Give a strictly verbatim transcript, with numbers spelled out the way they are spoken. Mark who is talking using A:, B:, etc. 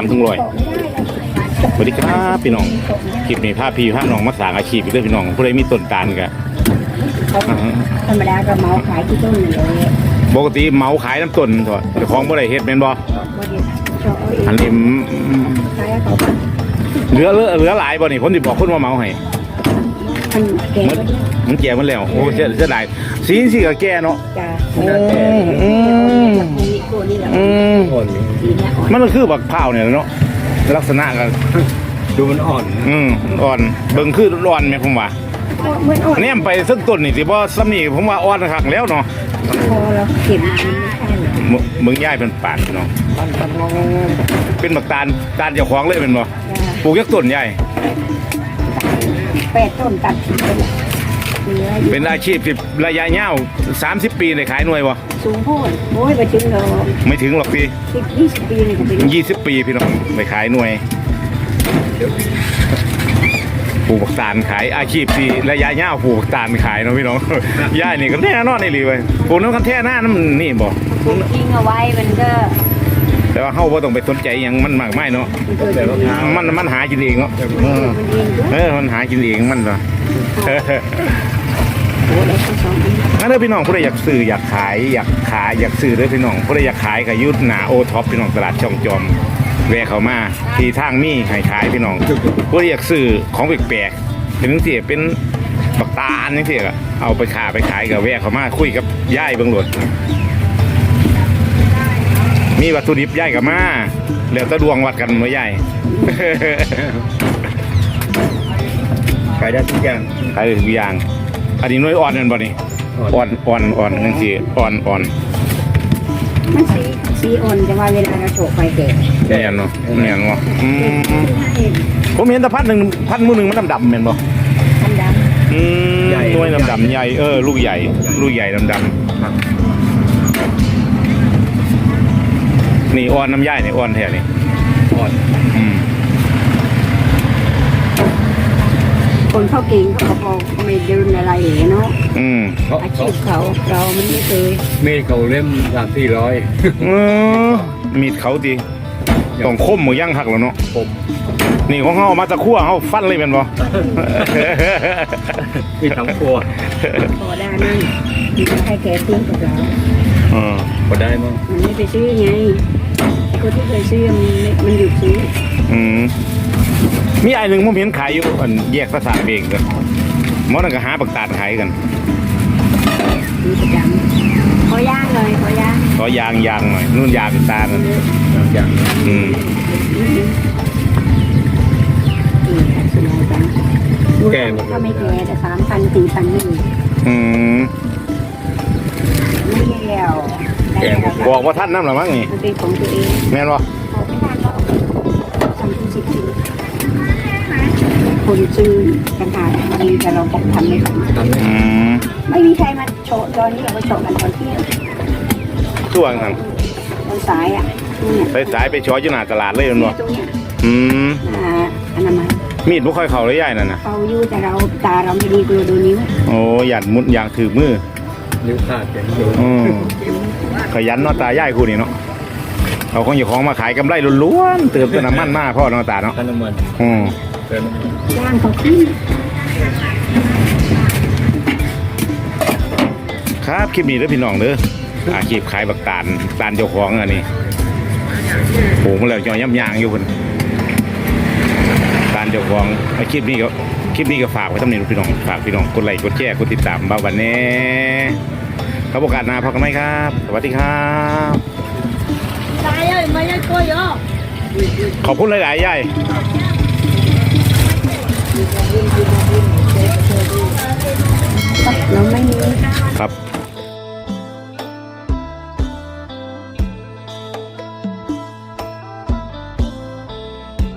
A: ามถึงร้อยสวัสดีครับพี่น้องคลิปนี้พาพี่พาน้องมาสร้างอาชีพด้วยพี่น้องผู้ใดมีต้นตาลกัน
B: ธรรมดาก็เมาขายที่ต้นเลย
A: ปกติเมาขายน้ำต้นเถอะแต่ของบ่ได้เฮ็ดแม่นบ่อันนี้เหลือเหลือเหลือหลายบ่นี่ผมสิบอกคนว่าเมาให้มันมันแก่มันแล้วโอ้เสียเสียดายสีสิก็แก่เนาะ
B: จ้า
A: อืมอืมมันก็คือบักพร้าวเนี่ยเนาะลักษณะก็
C: ดูมันอ่อน
A: อืมอ่อนเบิ่งคือร้อนแม่ผมว่าแนมไปซึ่งต้นนี่สิบ่ซ้ำนี่ผมว่าอ่อนคักแล้วเนาะ
B: พอเราเก็บ
A: เมืองย่ายเป็นป่านเนาะเป็นบักตาลตาลเจ้าของเลยเป็นบ่ปลูกยักต้นใหญ่
B: แปดต้นตัด
A: เป็นอาชีพที่ระยะยาวสามสิบปีได้ขายหน่วยบ่
B: สูงโพดโอ้ยไปถึงหรอก
A: ไม่ถึงหรอกพี่
B: ยี่สิบปีนี่ก็เป็น
A: ยี่สิบปีพี่น้องไปขายหน่วยปลูกบักตาลขายอาชีพที่ระยะยาวปลูกบักตาลขายเนาะพี่น้องย่ายนี่ก็แน่นอนนี่เลยปลูกน้ำกันแท่หน้าน้ำนี่บ่
B: ปลูกทิ้งเอาไว้มันก็
A: แต่ว่าเขาบ่ต้องไปสนใจอย่างมันมากไม่เนาะมันมันหากินเองเนาะเออมันหากินเองมันเนาะนั่นเลยพี่น้องผู้ใดอยากซื้ออยากขายอยากขายอยากซื้อเลยพี่น้องผู้ใดอยากขายก็ยุดหนาโอท็อปพี่น้องตลาดช่องจอมแวะเข้ามาที่ทางมีให้ขายพี่น้องผู้ใดอยากซื้อของแปลกๆถึงเสียเป็นบักตาลนี่เสียเอาไปขายไปขายกับแวะเข้ามาคุยกับย่ายเบิ่งโหลดมีวัตถุดิบย่ายกับมาแล้วตะดวงวัดกันเมื่อย่าย
C: ขายได้ทุกอย่าง
A: ขายได้ทุกอย่างอันนี้น้อยอ่อนนั่นบ่นี่อ่อนอ่อนอ่อนนั่นสิอ่อนอ่อน
B: มันสีสีอ่อนจะว่าเวลาเราโฉบไปแก่
A: แก่เนาะแก่เนาะผมเห็นแต่พัดหนึ่งพัดมือหนึ่งมันดำดำเหม็นบ่
B: ดำดำ
A: อืมน้อยดำดำใหญ่เออลูกใหญ่ลูกใหญ่ดำดำนี่อ่อนน้ำย่ายนี่อ่อนแท้นี่
C: อ่อน
A: อืม
B: คนเขาเก่งเขาพอไม่เดินอะไรเนาะ
A: อืม
B: อาชีพเขาเรามันไม่เคย
C: เมฆเขาเล่มสามสี่ร้อย
A: มีดเขาดีต้องคมหมูย่างหักแล้วเนาะ
C: คม
A: นี่ของเขามาตะคั่วเขาฟันเลยเป็นบ่
C: มีทั้งครัว
B: พอได้นั่นมีให้แกซื้อกับเรา
A: อืม
C: พอได้มั้ง
B: มันไม่ไปซื้อไงคนที่เคยซื้อมันมันหยุดซื้อ
A: อืมมีไอ้หนึ่งผมเห็นขายอยู่อันแยกภาษาเองกันมอนั่นก็หาปักตาดขายกัน
B: มีประจำขอย่างเลยขอย่าง
A: ขอยางยางหน่อยนู่นยางตาล
C: ยาง
A: อืม
B: แก่ก็ไม่แก่แต่สามพันสี่พันนี่
A: อืม
B: ไม่แล้ว
A: บอกว่าท่านน้ำหรือมั้งนี่
B: มันเป็นของตัวเอง
A: แม่นวะ
B: คนซื้อกันหาดีแต่เราต้องทำไม่ได้ไม่มีใครมาโชว์ตอนนี้เราไปโชว์กันตอนเที่ยง
A: ช่วงนั้น
B: ตอนสายอ่ะ
A: ไปสายไปช้อยอยู่หน้าตลาดเลยมั้งอืม
B: อ่าอันนั้นมา
A: มีดไม่ค่อยเข่าเลยใหญ่นั่นนะ
B: เขาอยู่แต่เราตาเราไม่ดีกลัวดูนิ้ว
A: โอ้หยัดมุดอย่างถือมือ
C: นิ้วขาดอย่างนี้
A: ขยันเนาะตาใหญ่คู่นี่เนาะเอาของอยู่ของมาขายกำไรล้วนๆเติมน้ำมันมากพ่อเนาะตาเนาะ
C: น้ำมัน
A: อืม
B: ย่างเขาขึ้น
A: ครับคลิปนี้เด้อพี่น้องเด้ออาชีพขายบักตาลตาลเจ้าของอันนี้โอ้โหแล้วจอย่ำยางอยู่คนตาลเจ้าของอาชีพนี้ก็คลิปนี้ก็ฝากไว้ทำนี่พี่น้องฝากพี่น้องกดไลค์กดแชร์กดติดตามบ้าวันนี้ครับโอกาสหน้าพบกันไหมครับสวัสดีครับขอบคุณหลายๆยาย